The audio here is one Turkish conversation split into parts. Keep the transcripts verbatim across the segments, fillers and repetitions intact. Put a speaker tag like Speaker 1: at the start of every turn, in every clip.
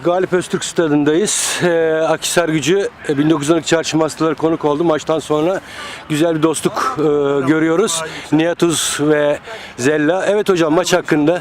Speaker 1: Galip Öztürk Stadı'ndayız. Ee, Akhisargücü e, bin dokuz yüz on iki Çarşı Masterları konuk oldu. Maçtan sonra güzel bir dostluk e, görüyoruz. Nihat Uz ve Zella. Evet hocam, maç hakkında.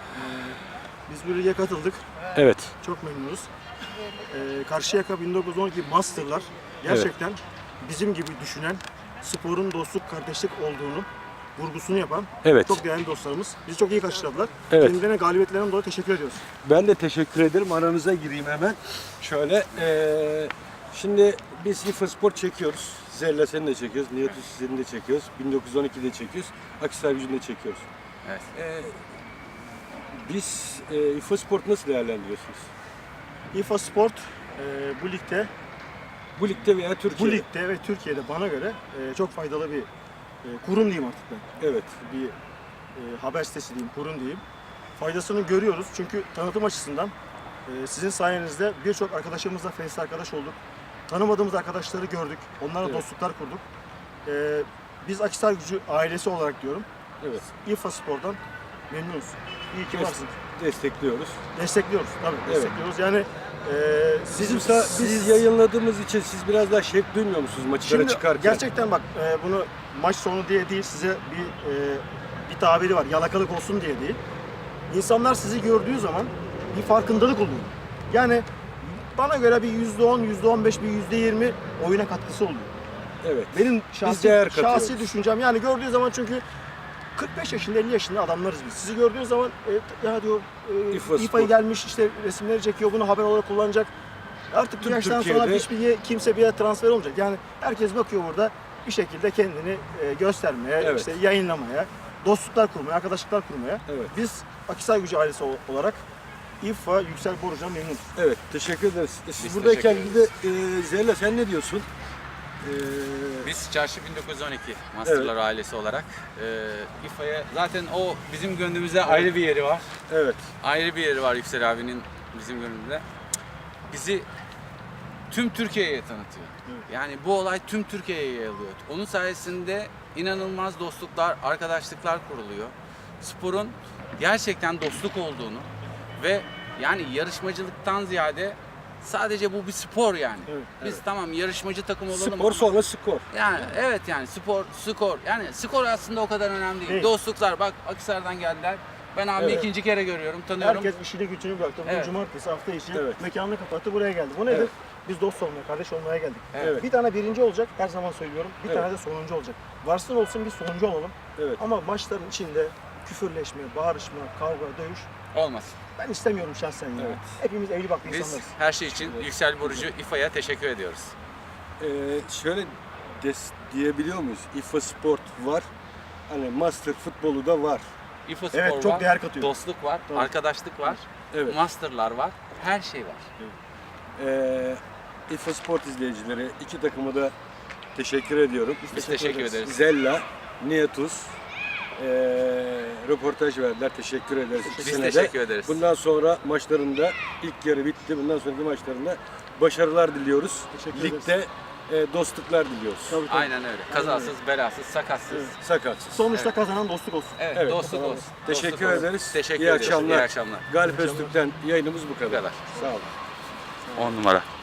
Speaker 2: Biz bu lige katıldık.
Speaker 1: Evet.
Speaker 2: Çok memnunuz. Ee, Karşıyaka bin dokuz yüz on iki Masterlar gerçekten bizim gibi düşünen, sporun dostluk, kardeşlik olduğunu vurgusunu yapan
Speaker 1: Evet.
Speaker 2: çok değerli dostlarımız. Bizi çok iyi karşıladılar.
Speaker 1: Evet.
Speaker 2: Kendilerine galibiyetlerinden dolayı teşekkür ediyoruz.
Speaker 1: Ben de teşekkür ederim. Aranıza gireyim hemen. Şöyle. E, şimdi biz İFA Spor çekiyoruz. Zella seni de çekiyoruz. Nihat Uz seni de çekiyoruz. bin dokuz yüz on iki'de çekiyoruz. Akhisargücü'nü de çekiyoruz.
Speaker 3: Evet.
Speaker 1: E, biz e, İFA Spor'u nasıl değerlendiriyorsunuz?
Speaker 2: İFA Sport e, bu ligde,
Speaker 1: Bu ligde veya Türkiye'de?
Speaker 2: bu ligde ve Türkiye'de bana göre e, çok faydalı bir e, kurum diyeyim artık ben.
Speaker 1: Evet.
Speaker 2: Bir e, haber sitesi diyeyim, kurum diyeyim. Faydasını görüyoruz çünkü tanıtım açısından e, sizin sayenizde birçok arkadaşımızla Face arkadaş olduk. Tanımadığımız arkadaşları gördük, onlarla
Speaker 1: Evet.
Speaker 2: dostluklar kurduk. E, biz Akhisargücü ailesi olarak diyorum,
Speaker 1: Evet.
Speaker 2: İFA Spor'dan memnunuz. İyi ki
Speaker 1: Des-
Speaker 2: varsın.
Speaker 1: Destekliyoruz.
Speaker 2: Destekliyoruz tabii,
Speaker 1: Evet.
Speaker 2: destekliyoruz. Yani e,
Speaker 1: Bizim
Speaker 2: siz,
Speaker 1: biz yayınladığımız için siz biraz daha şevk duymuyor musunuz maçlara
Speaker 2: Şimdi
Speaker 1: çıkarken?
Speaker 2: gerçekten bak e, bunu maç sonu diye değil, size bir e, bir tabiri var, yalakalık olsun diye değil. İnsanlar sizi gördüğü zaman bir farkındalık oluyor. Yani bana göre bir yüzde on, yüzde on beş, bir yüzde yirmi oyuna katkısı oluyor.
Speaker 1: Evet.
Speaker 2: Benim
Speaker 1: Biz
Speaker 2: şahsi,
Speaker 1: değer katıyoruz.
Speaker 2: şahsi düşüncem yani gördüğü zaman çünkü kırk beş yaşında, elli yaşında adamlarız biz. Sizi gördüğü zaman e, ya diyor e,
Speaker 1: İFA
Speaker 2: İFA'yı
Speaker 1: Spor.
Speaker 2: gelmiş işte resimleri çekiyor, bunu haber olarak kullanacak. Artık bir
Speaker 1: Tüm
Speaker 2: yaştan sonra
Speaker 1: Türkiye'de-
Speaker 2: hiçbir ye- kimse bir yere transfer olmayacak. Yani herkes bakıyor burada bir şekilde kendini e, göstermeye,
Speaker 1: Evet.
Speaker 2: işte yayınlamaya, dostluklar kurmaya, arkadaşlıklar kurmaya.
Speaker 1: Evet.
Speaker 2: Biz Akhisargücü ailesi ol- olarak İFA Yüksel Borucu'na memnunuz.
Speaker 1: Evet. Teşekkür ederiz. Siz
Speaker 3: Biz
Speaker 1: buradayken
Speaker 3: teşekkür
Speaker 1: bir de e, Zella sen ne diyorsun? E,
Speaker 3: Biz Çarşı bin dokuz yüz on iki Masterlar ailesi olarak e, İFA'ya zaten o bizim gönlümüzde ayrı bir yeri var.
Speaker 1: evet.
Speaker 3: Ayrı bir yeri var Yüksel abinin bizim gönlümüzde. Bizi tüm Türkiye'ye tanıtıyor. Yani bu olay tüm Türkiye'ye yayılıyor. Onun sayesinde inanılmaz dostluklar, arkadaşlıklar kuruluyor. Sporun gerçekten dostluk olduğunu ve yani yarışmacılıktan ziyade sadece bu bir spor yani.
Speaker 2: Evet,
Speaker 3: Biz tamam yarışmacı takım olalım
Speaker 1: Spor
Speaker 3: ama-
Speaker 1: sonra skor.
Speaker 3: Yani evet yani spor, skor. Yani skor aslında o kadar önemli değil.
Speaker 2: Değil.
Speaker 3: Dostluklar bak Akhisar'dan geldiler. Ben abimi
Speaker 1: Evet.
Speaker 3: ikinci kere görüyorum, tanıyorum.
Speaker 2: Herkes işini gücünü bıraktı. Bugün
Speaker 3: Evet.
Speaker 2: cumartesi hafta içi
Speaker 1: Evet.
Speaker 2: mekanını kapattı, buraya geldi. Bu nedir?
Speaker 1: Evet.
Speaker 2: Biz dost olmaya, kardeş olmaya geldik.
Speaker 1: Evet.
Speaker 2: Bir tane birinci olacak, her zaman söylüyorum. Bir
Speaker 1: Evet.
Speaker 2: tane de sonuncu olacak. Varsın olsun bir sonuncu olalım.
Speaker 1: Evet.
Speaker 2: Ama maçların içinde küfürleşme, bağırışma, kavga, dövüş
Speaker 3: Olmaz.
Speaker 2: ben istemiyorum şahsen ya.
Speaker 1: Evet.
Speaker 2: Hepimiz evli barklı
Speaker 3: Biz
Speaker 2: insanlarız.
Speaker 3: her şey için Yüksel Borucu İFA'ya teşekkür ediyoruz.
Speaker 1: E, şöyle des, diyebiliyor muyuz? İFA Sport var. Hani Master futbolu da var.
Speaker 3: İFA Spor
Speaker 2: Evet, çok
Speaker 3: var,
Speaker 2: değer katıyor.
Speaker 3: dostluk var,
Speaker 2: Tabii.
Speaker 3: arkadaşlık var,
Speaker 1: Evet.
Speaker 3: masterlar var, her şey var.
Speaker 1: E, İFA Sport izleyicileri iki takımı da teşekkür ediyorum.
Speaker 3: Biz teşekkür ederiz.
Speaker 1: Zella, Nihat Uz e, röportaj verdiler. Teşekkür ederiz.
Speaker 3: Biz
Speaker 1: ikisine de.
Speaker 3: teşekkür ederiz.
Speaker 1: Bundan sonra maçlarında ilk yarı bitti. Bundan sonraki maçlarında başarılar diliyoruz.
Speaker 2: Teşekkür
Speaker 1: Ligde e, dostluklar diliyoruz.
Speaker 2: Tabii, tabii.
Speaker 3: Aynen öyle. Kazasız, belasız, sakatsız.
Speaker 1: Sakatsız.
Speaker 2: Sonuçta
Speaker 3: Evet.
Speaker 2: kazanan dostluk olsun.
Speaker 3: Evet,
Speaker 1: Evet.
Speaker 3: dostluk olsun.
Speaker 1: Teşekkür
Speaker 3: Dostluk olsun.
Speaker 1: ederiz.
Speaker 3: Teşekkür
Speaker 1: İyi
Speaker 3: ederiz.
Speaker 1: akşamlar.
Speaker 3: İyi akşamlar.
Speaker 1: Galip Öztürk'ten yayınımız bu kadar.
Speaker 3: Bu kadar.
Speaker 1: Sağ olun.
Speaker 3: On numara.